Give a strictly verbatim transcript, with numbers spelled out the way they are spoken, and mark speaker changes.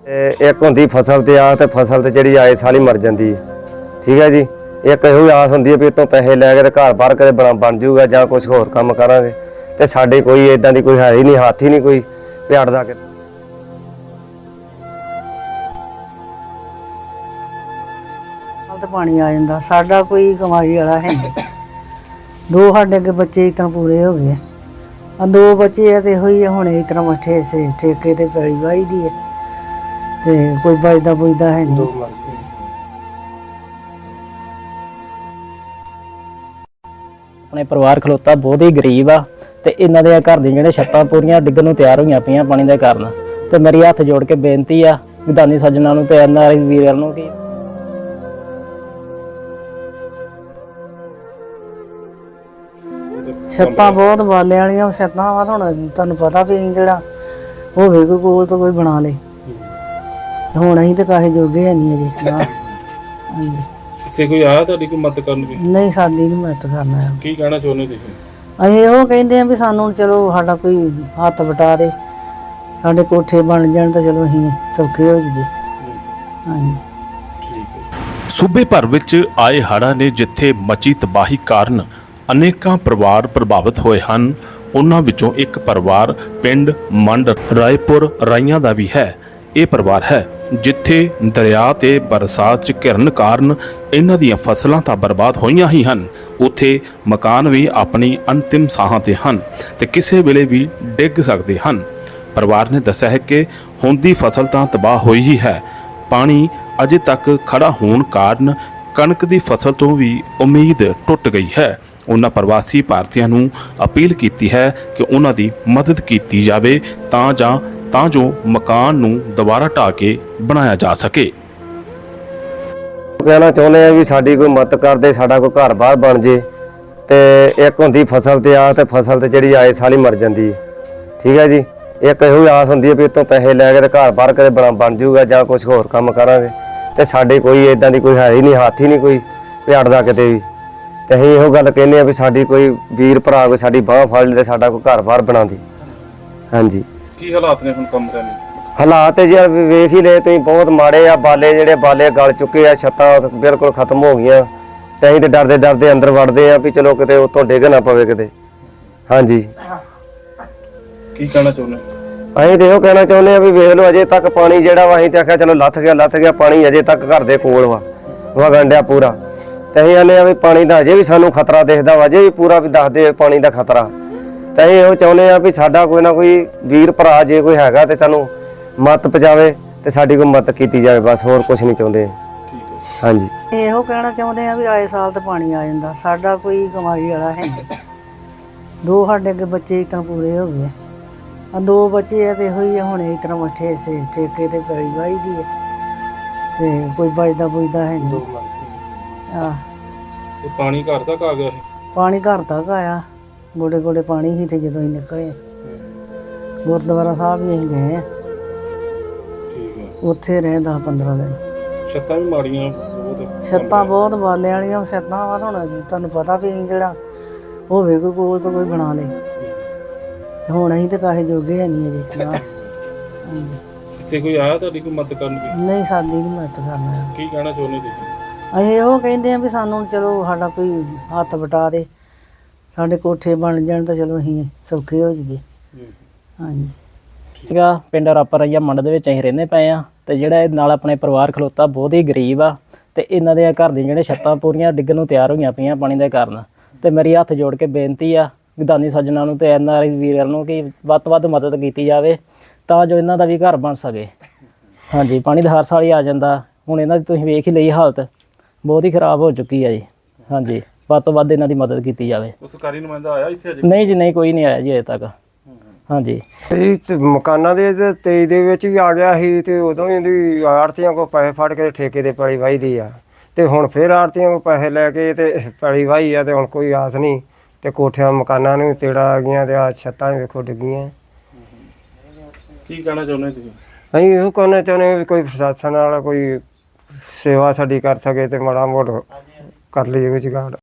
Speaker 1: एक होंदी फसल ते आस ते फसल ते जिहड़ी आए साल ही मर जाती है। ठीक है जी। एक ਇਹੋ आस होंदी है भी इतों पैसे लैके ते घर बाहर कदे बन बन जूगा जां कुछ होर काम करांगे ते साडे कोई इदां दी कोई है ही नहीं, हाथ ही नहीं कोई प्याड़ दा के
Speaker 2: तो पानी आ जाता। साडा कोई कमाई वाला है नहीं। दो साडे अगे बच्चे इतना पूरे हो गए, दो बच्चे है तो इहो ही हुण इस तरह मठे से ठेके ते पैली वाही दी है ते कोई बचदा बुझदा है नहीं।
Speaker 3: अपने परिवार खलोता बहुत ही गरीब आ ते इन्हां दे घर दी जिहड़े छत्तां पूरीਆਂ डिੱਗਣ ਨੂੰ ਤਿਆਰ ਹੋਈਆਂ ਪਈਆਂ ਪਾਣੀ ਦੇ ਕਾਰਨ। ਤੇ ਮੇਰੀ ਹੱਥ ਜੋੜ ਕੇ ਬੇਨਤੀ ਆ ਵਿਧਾਨੀ ਸੱਜਣਾ ਨੂੰ ਤੇ ਐਨ ਆਰ ਆਈ ਵੀਰਾਂ ਨੂੰ ਕਿ
Speaker 2: ਛੱਤਾਂ ਬਹੁਤ ਵਾਲੇ ਵਾਲੀਆਂ ਛੱਤਾਂ ਵਾ। ਹੁਣ ਤੁਹਾਨੂੰ ਪਤਾ ਵੀ ਅਸੀਂ ਜਿਹੜਾ ਹੋਵੇ ਕੋਈ ਕੋਲ ਤੋਂ ਕੋਈ ਬਣਾ ਲੇ, ਹੁਣ ਅਸੀਂ ਤਾਂ ਕਾਹੇ ਜੋਗੇ ਹੈ ਨਹੀਂ ਅਜੇ। ਹਾਂਜੀ,
Speaker 4: ਇੱਥੇ ਕੋਈ ਆਇਆ ਤੁਹਾਡੀ ਕੋਈ ਮਦਦ ਕਰਨ ਲਈ?
Speaker 2: ਨਹੀਂ, ਸਾਡੀ ਨਹੀਂ ਮਦਦ ਕਰਨਾ ਹੈ।
Speaker 4: ਕੀ ਕਹਿਣਾ ਚਾਹੁੰਦੇ ਤੁਸੀਂ?
Speaker 2: ਅਸੀਂ ਉਹ ਕਹਿੰਦੇ ਆ ਵੀ ਸਾਨੂੰ ਚਲੋ ਸਾਡਾ ਕੋਈ ਹੱਥ ਵਟਾ ਦੇ, ਸਾਡੇ ਕੋਠੇ ਬਣ ਜਾਣ ਤਾਂ ਚਲੋ ਅਸੀਂ ਸੌਖੇ ਹੋ ਜਾਈਏ। ਹਾਂਜੀ।
Speaker 5: ਸੂਬੇ ਭਰ ਵਿੱਚ ਆਏ ਹੜ੍ਹਾਂ ਨੇ ਜਿੱਥੇ ਮਚੀ ਤਬਾਹੀ ਕਾਰਨ ਅਨੇਕਾਂ ਪਰਿਵਾਰ ਪ੍ਰਭਾਵਿਤ ਹੋਏ ਹਨ, ਉਹਨਾਂ ਵਿੱਚੋਂ ਇੱਕ ਪਰਿਵਾਰ ਪਿੰਡ ਮੰਡ ਰਾਏਪੁਰ ਰਾਈਆਂ ਦਾ ਵੀ ਹੈ। ਇਹ ਪਰਿਵਾਰ ਹੈ ਜਿੱਥੇ ਦਰਿਆ ਤੇ ਬਰਸਾਤ 'ਚ ਘਿਰਨ ਕਾਰਨ ਇਹਨਾਂ ਦੀਆਂ ਫਸਲਾਂ ਤਾਂ ਬਰਬਾਦ ਹੋਈਆਂ ਹੀ ਹਨ, ਉੱਥੇ ਮਕਾਨ ਵੀ ਆਪਣੀ ਅੰਤਿਮ ਸਾਹਾਂ ਤੇ ਹਨ ਤੇ ਕਿਸੇ ਵੇਲੇ ਵੀ ਡਿੱਗ ਸਕਦੇ ਹਨ। ਪਰਿਵਾਰ ਨੇ ਦੱਸਿਆ ਹੈ ਕਿ ਹੁਣ ਦੀ ਫਸਲ ਤਾਂ ਤਬਾਹ ਹੋਈ ਹੀ ਹੈ, ਪਾਣੀ ਅਜੇ ਤੱਕ ਖੜਾ ਹੋਣ ਕਾਰਨ ਕਣਕ ਦੀ ਫਸਲ ਤੋਂ ਵੀ ਉਮੀਦ ਟੁੱਟ ਗਈ ਹੈ। ਉਹਨਾਂ ਪ੍ਰਵਾਸੀ ਭਾਰਤੀਆਂ ਨੂੰ ਅਪੀਲ ਕੀਤੀ ਹੈ ਕਿ ਉਹਨਾਂ ਦੀ ਮਦਦ ਕੀਤੀ ਜਾਵੇ ਤਾਂ ਜਾਂ ਤਾਂ ਜੋ ਮਕਾਨ ਨੂੰ ਦੁਬਾਰਾ ਢਾਹ ਕੇ ਬਣਾਇਆ ਜਾ ਸਕੇ।
Speaker 1: कहना चाਹੁੰਦੇ ਆ ਵੀ ਸਾਡੀ ਕੋਈ ਮਦਦ ਕਰਦੇ, ਸਾਡਾ ਕੋਈ ਘਰ ਬਾਹਰ ਬਣ ਜੇ। ਤੇ ਇੱਕ ਹੁੰਦੀ ਫਸਲ ਤੇ ਆਸ ਤੇ ਫਸਲ ਤੇ ਜਿਹੜੀ ਆਏ ਸਾਲ ਹੀ ਮਰ ਜਾਂਦੀ ਹੈ। ਠੀਕ ਹੈ ਜੀ। ਇੱਕ ਇਹੋ ਆਸ ਹੁੰਦੀ ਹੈ ਵੀ ਇਤੋਂ ਪੈਸੇ ਲੈ ਕੇ ਤੇ ਘਰ ਬਾਹਰ ਕਦੇ ਬਣ ਬਣ ਜੂਗਾ ਜਾਂ ਕੁਝ ਹੋਰ ਕੰਮ ਕਰਾਂਗੇ ਤੇ ਸਾਡੇ ਕੋਈ ਇਦਾਂ ਦੀ ਕੋਈ ਹੈ ਹੀ ਨਹੀਂ, ਹੱਥ ਹੀ ਨਹੀਂ ਕੋਈ ਪਿਆੜ ਦਾ ਕਿਤੇ ਵੀ। ਤੇ ਅਸੀਂ ਇਹੋ ਗੱਲ ਕਹਿੰਦੇ ਆ ਵੀ ਸਾਡੀ ਕੋਈ ਵੀਰ ਭਰਾ ਕੋਈ ਸਾਡੀ ਬਾਹ ਫੜ ਲੇ ਤੇ ਸਾਡਾ ਕੋਈ ਘਰ ਬਾਹਰ ਬਣਾ ਦੇ। ਹਾਂਜੀ।
Speaker 4: ਕੀ ਹਾਲਾਤ ਨੇ ਹੁਣ ਕੰਮ ਕਰਨ ਦੇ?
Speaker 1: ਹਾਲਾਤ ਜੀ ਵੇਖ ਹੀ ਲਏ ਤੁਸੀਂ, ਬਹੁਤ ਮਾੜੇ ਆ। ਬਾਲੇ ਜਿਹੜੇ ਬਾਲੇ ਗਲ ਚੁੱਕੇ ਆ, ਛੱਤਾਂ ਬਿਲਕੁਲ ਖਤਮ ਹੋ ਗਈਆਂ ਤੇ ਅਸੀਂ ਤੇ ਡਰਦੇ ਡਰਦੇ ਅੰਦਰ ਵੜਦੇ ਆ ਵੀ ਚਲੋ ਕਿਤੇ ਉੱਤੋਂ ਡਿੱਗ ਨਾ ਪਵੇ ਕਿਤੇ। ਹਾਂਜੀ।
Speaker 4: ਕੀ ਕਹਿਣਾ ਚਾਹੁੰਦੇ?
Speaker 1: ਅਸੀਂ ਤੇ ਇਹੋ ਕਹਿਣਾ ਚਾਹੁੰਦੇ ਆ ਵੀ ਵੇਖ ਲਓ ਅਜੇ ਤੱਕ ਪਾਣੀ ਜਿਹੜਾ ਵਾ, ਅਸੀਂ ਤੇ ਆਖਿਆ ਚਲੋ ਲੱਥ ਗਿਆ ਲੱਥ ਗਿਆ, ਪਾਣੀ ਅਜੇ ਤੱਕ ਘਰ ਦੇ ਕੋਲ ਵਾ ਵਗਣ ਡਿਆ ਪੂਰਾ। ਤੇ ਅਸੀਂ ਆਨੇ ਆ ਵੀ ਪਾਣੀ ਦਾ ਅਜੇ ਵੀ ਸਾਨੂੰ ਖਤਰਾ ਦਿਖਦਾ ਵਾ, ਅਜੇ ਵੀ ਪੂਰਾ ਵੀ ਦੱਸਦੇ ਪਾਣੀ ਦਾ ਖਤਰਾ। ਤੇ ਅਸੀਂ ਇਹੋ ਚਾਹੁੰਦੇ ਆ ਵੀ ਸਾਡਾ ਕੋਈ ਨਾ ਕੋਈ ਵੀਰ ਭਰਾ ਜੇ ਕੋਈ ਹੈਗਾ ਤੇ ਸਾਨੂੰ ਮਦਦ ਪਹੁੰਚਾਵੇ ਤੇ ਸਾਡੀ ਕੋਈ ਮਦਦ ਕੀਤੀ ਜਾਵੇ, ਬਸ ਹੋਰ ਕੁਝ ਨਹੀਂ ਚਾਹੁੰਦੇ। ਹਾਂਜੀ।
Speaker 2: ਇਹੋ ਕਹਿਣਾ ਚਾਹੁੰਦੇ ਆ ਵੀ ਆਏ ਸਾਲ ਤੇ ਪਾਣੀ ਆ ਜਾਂਦਾ। ਸਾਡਾ ਕੋਈ ਕਮਾਈ ਵਾਲਾ ਹੈ ਨਹੀਂ। ਦੋ ਸਾਡੇ ਅੱਗੇ ਬੱਚੇ ਇਸ ਤਰ੍ਹਾਂ ਪੂਰੇ ਹੋ ਗਏ, ਦੋ ਬੱਚੇ ਹੈ ਤੇ ਇਹੋ ਹੀ ਹੁਣ ਇਸ ਤਰ੍ਹਾਂ ਮੱਠੇ ਸੇ ਠੇਕੇ ਤੇ ਪੈਲੀ ਵਾਹੀ ਦੀ ਹੈ ਤੇ ਕੋਈ ਬਚਦਾ ਬੁਝਦਾ ਹੈ ਨਹੀਂ। ਆਹ
Speaker 4: ਤੇ ਪਾਣੀ ਘਰ ਤੱਕ ਆ ਗਿਆ?
Speaker 2: ਪਾਣੀ ਘਰ ਤੱਕ ਆਇਆ, ਗੋਡੇ ਗੋਡੇ ਪਾਣੀ ਸੀ ਤੇ ਜਦੋਂ ਅਸੀਂ ਨਿਕਲੇ ਗੁਰਦੁਆਰਾ ਸਾਹਿਬ ਵੀ ਅਸੀਂ ਗਏ,
Speaker 4: ਠੀਕ ਹੈ,
Speaker 2: ਉੱਥੇ ਰਹੇ ਦਸ ਪੰਦਰਾਂ ਦਿਨ।
Speaker 4: ਛੱਤਾਂ ਵੀ ਮਾੜੀਆਂ ਬਹੁਤ?
Speaker 2: ਛੱਤਾਂ ਬਹੁਤ ਵਾਲੇ ਵਾਲੀਆਂ ਛੱਤਾਂ ਵਾ। ਹੁਣ ਤੁਹਾਨੂੰ ਪਤਾ ਵੀ ਅਸੀਂ ਜਿਹੜਾ ਹੋਵੇ ਕੋਈ ਕੋਲ ਤੋਂ ਕੋਈ ਬਣਾ ਲੇ, ਹੁਣ ਅਸੀਂ ਤਾਂ ਕਾਹੇ ਜੋਗੇ ਹੈ ਨਹੀਂ ਅਜੇ। ਹਾਂਜੀ।
Speaker 4: ਇੱਥੇ ਕੋਈ ਆਇਆ ਤੁਹਾਡੀ ਕੋਈ ਮਦਦ ਕਰਨ ਲਈ?
Speaker 2: ਨਹੀਂ, ਸਾਡੀ ਨਹੀਂ ਮਦਦ ਕਰਨਾ ਹੈ।
Speaker 4: ਕੀ ਕਹਿਣਾ ਚਾਹੁੰਦੇ ਤੁਸੀਂ?
Speaker 2: ਅਸੀਂ ਉਹ ਕਹਿੰਦੇ ਆ ਵੀ ਸਾਨੂੰ ਚਲੋ ਸਾਡਾ ਕੋਈ ਹੱਥ ਵਟਾ ਦੇ, ਸਾਡੇ ਕੋਠੇ ਬਣ ਜਾਣ ਤਾਂ ਚਲੋ ਅਸੀਂ ਸੌਖੇ ਹੋ ਜਾਈਏ। ਹਾਂਜੀ।
Speaker 3: ਠੀਕ ਆ। ਪਿੰਡ ਰਾਪਰ ਰਾਈਆਂ ਮੰਡ ਦੇ ਵਿੱਚ ਅਸੀਂ ਰਹਿੰਦੇ ਪਏ ਆ ਤੇ ਜਿਹੜਾ ਇਹ ਨਾਲ ਆਪਣੇ ਪਰਿਵਾਰ ਖਲੋਤਾ ਬਹੁਤ ਹੀ ਗਰੀਬ ਆ ਤੇ ਇਹਨਾਂ ਦੇ ਘਰ ਦੀਆਂ ਜਿਹੜੇ ਛੱਤਾਂ ਪੂਰੀਆਂ ਡਿੱਗਣ ਨੂੰ ਤਿਆਰ ਹੋਈਆਂ ਪਈਆਂ ਪਾਣੀ ਦੇ ਕਾਰਨ। ਤੇ ਮੇਰੀ ਹੱਥ ਜੋੜ ਕੇ ਬੇਨਤੀ ਆ ਵਿਧਾਨੀ ਸੱਜਣਾ ਨੂੰ ਤੇ ਐਨ ਆਰ ਆਈ ਵੀਰਾਂ ਨੂੰ ਕਿ ਵੱਧ ਤੋਂ ਵੱਧ ਮਦਦ ਕੀਤੀ ਜਾਵੇ ਤਾਂ ਜੋ ਇਹਨਾਂ ਦਾ ਵੀ ਘਰ ਬਣ ਸਕੇ। ਹਾਂਜੀ। ਪਾਣੀ ਤਾਂ ਹਰ ਸਾਲ ਹੀ ਆ ਜਾਂਦਾ, ਹੁਣ ਇਹਨਾਂ ਦੀ ਤੁਸੀਂ ਵੇਖ ਹੀ ਲਈ ਹਾਲਤ ਬਹੁਤ ਹੀ ਖਰਾਬ ਹੋ ਚੁੱਕੀ ਆ ਜੀ। ਹਾਂਜੀ। ਵੱਧ ਤੋਂ ਵੱਧ ਇਹਨਾਂ ਦੀ ਮਦਦ ਕੀਤੀ ਜਾਵੇ।
Speaker 4: ਸਰਕਾਰੀ ਨੁਮਾਇੰਦਾ ਆਇਆ ਇੱਥੇ ਅਜੇ?
Speaker 3: ਨਹੀਂ ਜੀ, ਨਹੀਂ, ਕੋਈ ਨਹੀਂ ਆਇਆ ਜੀ ਅਜੇ ਤੱਕ। ਹਾਂਜੀ।
Speaker 1: ਇਹ ਮਕਾਨਾਂ ਦੇ ਤੇਈ ਦੇ ਵਿੱਚ ਵੀ ਆ ਗਿਆ ਸੀ ਤੇ ਉਦੋਂ ਹੀ ਇਹਦੀ ਆੜਤੀਆਂ ਕੋਲ ਪੈਸੇ ਫੜ ਕੇ ਠੇਕੇ ਤੇ ਪੈਲੀ ਵਾਹੀ ਦੀ ਆ ਤੇ ਹੁਣ ਫਿਰ ਆੜਤੀਆਂ ਕੋਲ ਪੈਸੇ ਲੈ ਕੇ ਤੇ ਪੈਲੀ ਵਾਹੀ ਆ ਤੇ ਹੁਣ ਕੋਈ ਆਸ ਨਹੀਂ ਤੇ ਕੋਠਿਆਂ ਮਕਾਨਾਂ ਨੂੰ ਤੇੜਾ ਆ ਗਈਆਂ ਤੇ ਆ ਛੱਤਾਂ ਵੇਖੋ ਡਿੱਗੀਆਂ।
Speaker 4: ਕੀ ਕਹਿਣਾ ਚਾਹੁੰਦੇ ਤੁਸੀਂ?
Speaker 1: ਅਸੀਂ ਇਹੋ ਕਹਿਣਾ ਚਾਹੁੰਦੇ ਵੀ ਕੋਈ ਪ੍ਰਸ਼ਾਸਨ ਵਾਲਾ ਕੋਈ ਸੇਵਾ ਸਾਡੀ ਕਰ ਸਕੇ ਤੇ ਮਾੜਾ ਮੋੜ ਕਰ ਲਈਏ ਵਿਚਗਾੜ।